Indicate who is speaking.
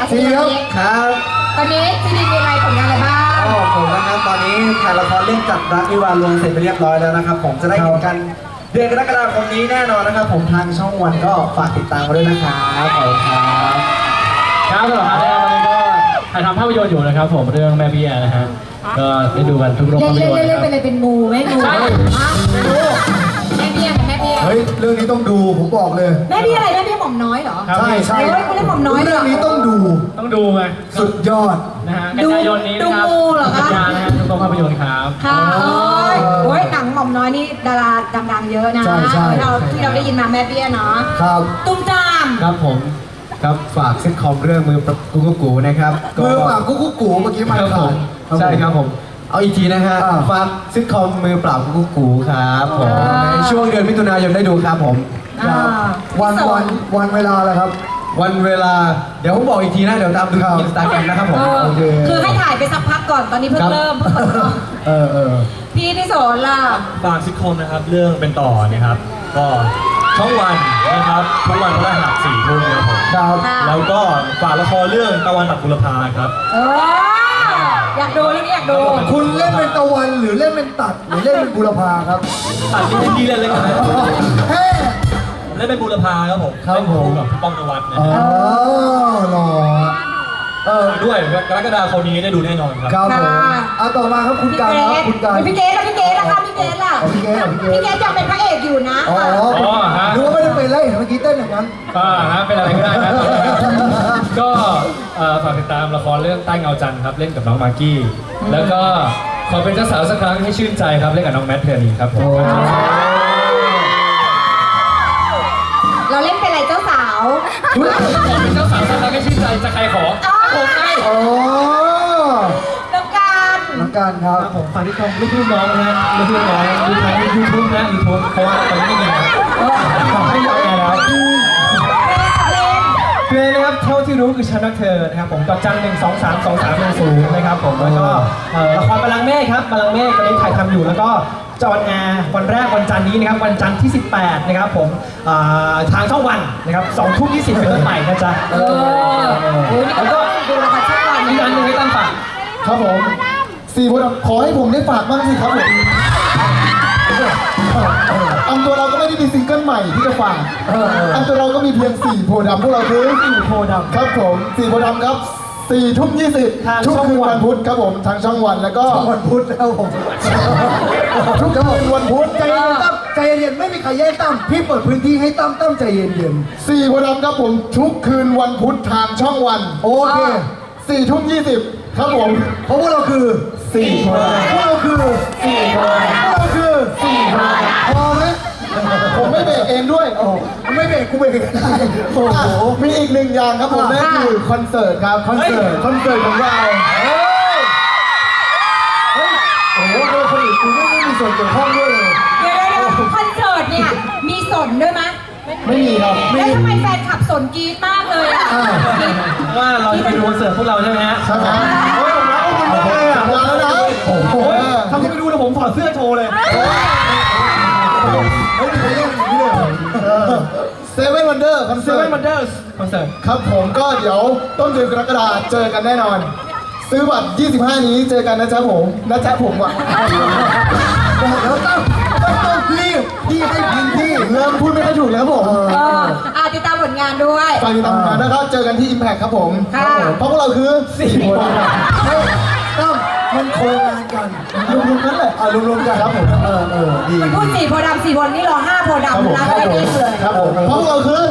Speaker 1: ซีครับ
Speaker 2: ตอนนี้ซีดีมีอะไรผลงานอะไรบ้าง
Speaker 1: ผมนะครับตอนนี้ถ่ายละครเล่นจัดรักวิวาห์ลวงเสร็จไปเรียบร้อยแล้วนะครับผมจะได้เห็นกันเดือนกรกฎาคมนี้แน่นอนนะครับผมทางช่องวันก็ฝากติดตามกันด้วยนะครับขอบคุณครับ
Speaker 3: ครับสำหรับอาร์ตตอนนี้ก็ถ่ายทำภาพยนตร์อยู่นะครับผมเรื่องแม่เบี้ยนะฮะก็ได้ดูกันทุกโรงภาพยนตร์
Speaker 2: เล่น
Speaker 3: นะครับ
Speaker 2: เป็นอะไรเป็นงูแม่งู
Speaker 3: ใช่
Speaker 2: แม่เบี้ยแม่เบี้ย
Speaker 1: เฮ้ยเรื่องนี้ต้องดูผมบอกเลย
Speaker 2: แม่เบี้ยอะไรแม่เบี้ยหม่อมน้อยเหรอ
Speaker 3: ครับ
Speaker 1: ใช่ใช่
Speaker 2: โอ้ยคุณเล่นหม่อมน้อยเหรอ
Speaker 1: เรื่องนี้ต้องดู
Speaker 3: ต้องดูไง
Speaker 1: สุดยอด
Speaker 3: นะฮะกันยายนนี้นะครับ
Speaker 2: ดูงูเหรอคะ
Speaker 3: กันยานะฮะทุกโรงภาพยนตร์ครับ
Speaker 2: ค่ะโอ้ยหนังหม่อมน้อยนี่ดาราดังๆเยอะนะ
Speaker 1: ใช่ใช่
Speaker 2: ที่เราได้ยินมาแม่เบี้ยเนาะ
Speaker 1: ครับ
Speaker 2: ตุ้มตาม
Speaker 4: ครับผมครับฝากซิทคอมเรื่องมือปรับกุ๊กกูนะครับ
Speaker 1: มือปราบกุ๊กกูเมื่อกี้มัน
Speaker 4: ครับผ
Speaker 1: ขาด
Speaker 4: มใช่ครับผมเอาอีกทีนะฮะ
Speaker 1: อ่า
Speaker 4: ฝากซิทคอมมือปราบกุ๊กกูครับผมในช่วงเดือนมิถุนายนได้ดูครับผม
Speaker 1: ครับวันเวลาแล้วครับ
Speaker 4: วันเวลาเดี๋ยวผมบอกอีกทีนะเดี๋ยวตามดู
Speaker 1: ครับ
Speaker 4: อินสตาแกรมนะครับผม
Speaker 1: โอเค
Speaker 2: คือให้ถ่ายไปสักพักก่อนตอนนี้เพิ่
Speaker 4: ครั
Speaker 2: ง
Speaker 4: บ
Speaker 2: เริ่ม พี่โสนล่ะ
Speaker 5: ฝากซิทคอมนะครับเรื่องเป็นต่อนะครับก็ช่องวันนะครับทุกวันพฤหัส4 ทุ่มนะครับผม
Speaker 1: ครับ
Speaker 2: ค่ะ
Speaker 5: แล้วก็ฝากละครเรื่องตะวันตัดบุรพาครับ
Speaker 2: เอออยากดูเรื่องนี้อยากดู
Speaker 1: คุณเล่นเป็นตะวันหรือเล่นเป็นตัดหรือเล่นเป็นบุรพาครับ
Speaker 5: ตัดที่พี่เล่นเลยกันนะ
Speaker 1: เฮ้
Speaker 5: เล่นเป็นบุรพาครับผม
Speaker 1: ครับ
Speaker 5: เล่น
Speaker 1: ผม
Speaker 5: คู่กับพี่ป้องนวัดนะ
Speaker 1: อ๋อ
Speaker 5: ครับ
Speaker 1: หล่อเออ
Speaker 5: ด้วยกรกฎาคมนี้ได้ดูแน่นอนครับ
Speaker 1: ครับผมเอาต่อมาครับคุณ
Speaker 2: พี่
Speaker 1: การ
Speaker 2: เก
Speaker 1: ครับ
Speaker 2: ด
Speaker 1: คุณการ
Speaker 2: พี่เกดล่ะพี่เกดล่ะคะพี่เกดล่ะ
Speaker 1: อ๋อพี่เกดเหรอพี่เกด
Speaker 2: พี่เกดยังเป็นพระเอกอยู่นะ
Speaker 1: อ๋อ
Speaker 3: ฮะ
Speaker 1: ดูว่าไม่ได้เป็นไรเห็นเมื่อกี้เต้นอย่างนั้น
Speaker 3: ฮะเป็นอะไรก็ได้นะก็ฝากติดตามละครเรื่องใต้เงาจันทร์ครับเล่นกับน้องมากกี้แล้วก็ขอเป็นเจ้าสาวสักครั้งให้ชื่นใจครับเล่นกับน้องแมทเทอร์นีครับผม
Speaker 2: เราเล่นเป็นอะไรเจ้าสาว
Speaker 3: ขอเป็นเจ้าสาวสักครั้งให้ชื่นใจจะใครขอผมไง
Speaker 1: โอ้
Speaker 2: ต้องการ
Speaker 1: น้องการครับ
Speaker 3: ครับผมฝากที่ชมลูกๆน้องนะฮะลูกๆน้องดูทางยูทูบนะยูทูบเพราะว่าตอนนี้ไม่มีนะไม่ยอมแอร์แล้วเพลงนะครับเท่าที่รู้คือฉันรักเธอนะครับผมดอกจัน1232310นะครับผมแล้วก็ละครบัลลังก์เมฆครับบัลลังก์เมฆตอนนี้ถ่ายทำอยู่แล้วก็จะออนแอร์วันแรกวันจันทร์นี้นะครับวันจันทร์ที่ 18นะครับผมทางช่องวันนะครับ20:20เป็นต้นไปนะจ๊ะ
Speaker 2: โอ้ยนี่ก็ต้องดูละครช่องวัน
Speaker 3: อีกอันหนึ่งให้ตั้งฝาก
Speaker 1: ครับผมสี่คนขอให้ผมได้ฝากบ้างสิครับผมอันตัวเราก็ไม่ได้มีซิงเกิลใหม่ที่จะฝากอันตัวเราก็มีเพียง4โพธิ์ดำพวกเราคือ4โพธิ์ดำครับผม4โพธิ์ดำครับ4:20
Speaker 3: ทาง
Speaker 1: ทุก
Speaker 3: ช่อง
Speaker 1: คืน
Speaker 3: วัน
Speaker 1: วันพุธครับผมทางช่องวันแล้วก็วันพุธแล้วผมทุกคืนวันพุธใจเย็นตั้มใจเย็นไม่มีใครแย่งตั้มพี่เปิดพื้นที่ให้ตั้มใจเย็น4โพธิ์ดำครับผมทุกคืนวันพุธทางช่องวันโอเค4:20ครับผมเพราะพวกเราคือ4โพธิ์ดำพวกเราคือ4โพธิ์ดำพวกเราคือ4โพธิ์ดำพอไหมผมไม่เบรกเองด้วยโอ้ไม่เบรกกูเบรกเองได้โอ้โหมีอีกหนึ่งอย่างครับผมนั่นคือคอนเสิร์ตครับคอนเสิร์ตของเราเฮ้ยโอ้โหคนอื่นกูไม่มีส่วนเกี่ยวข้องด้วยเลย
Speaker 2: เดี๋ยวคอนเสิร์ตเนี่ยมีสนด้วยไหม
Speaker 1: ไม่มีครับไม่
Speaker 2: แล้ว
Speaker 1: มี
Speaker 2: ทำไมแฟนขับสนกรี๊ดมากเลยอ่ะกรี๊ด
Speaker 3: ว่าเราจะไปดูคอนเสิร์ตพวกเราใช่ไหมฮะ
Speaker 1: ใช่ไหมโอ้ยผมรักคุณมากเลยอ่ะมาแล้วนะโอ้โห
Speaker 3: ถ้าคุณไปดูนะผมถอดเสื้อโชว์เลย
Speaker 1: ไม่มีใครเล่นอย่างนี้เลยเซเว่นวันเดอร์คอน
Speaker 3: เซ
Speaker 1: เสิร์
Speaker 3: เว่
Speaker 1: ต
Speaker 3: นวันเดอร์คอนเสิร์ต
Speaker 1: ครับผมก็เดี๋ยวต้นเดือนกรกฎาคมเจอกันแน่นอน ซื้อบัตร 25 นี้เจอกันนะจ๊ะผมนะจ๊ะผมอ่ะบอกแล้วต้องรีบพี่ให้พื้นที่เริ่มพูดไม่ค่อยถูกแล้วผม
Speaker 2: ติดตามผลงานด้วย
Speaker 1: ฝากติดตามงานนะครับเจอกันที่ Impact ครับผม
Speaker 2: ค่ะ
Speaker 1: เพราะพวกเราคือ4คนต้องมันโคงานกันรวมๆกันเลยรวมๆกันครับผมดี
Speaker 2: พูด4โพธิ์ดำ4โพธิ์นี่รอ5โพธิ์
Speaker 1: ครับผม
Speaker 2: ดำนะก็ได้เองเลย
Speaker 1: ครับผมเพราะพวกเราคือ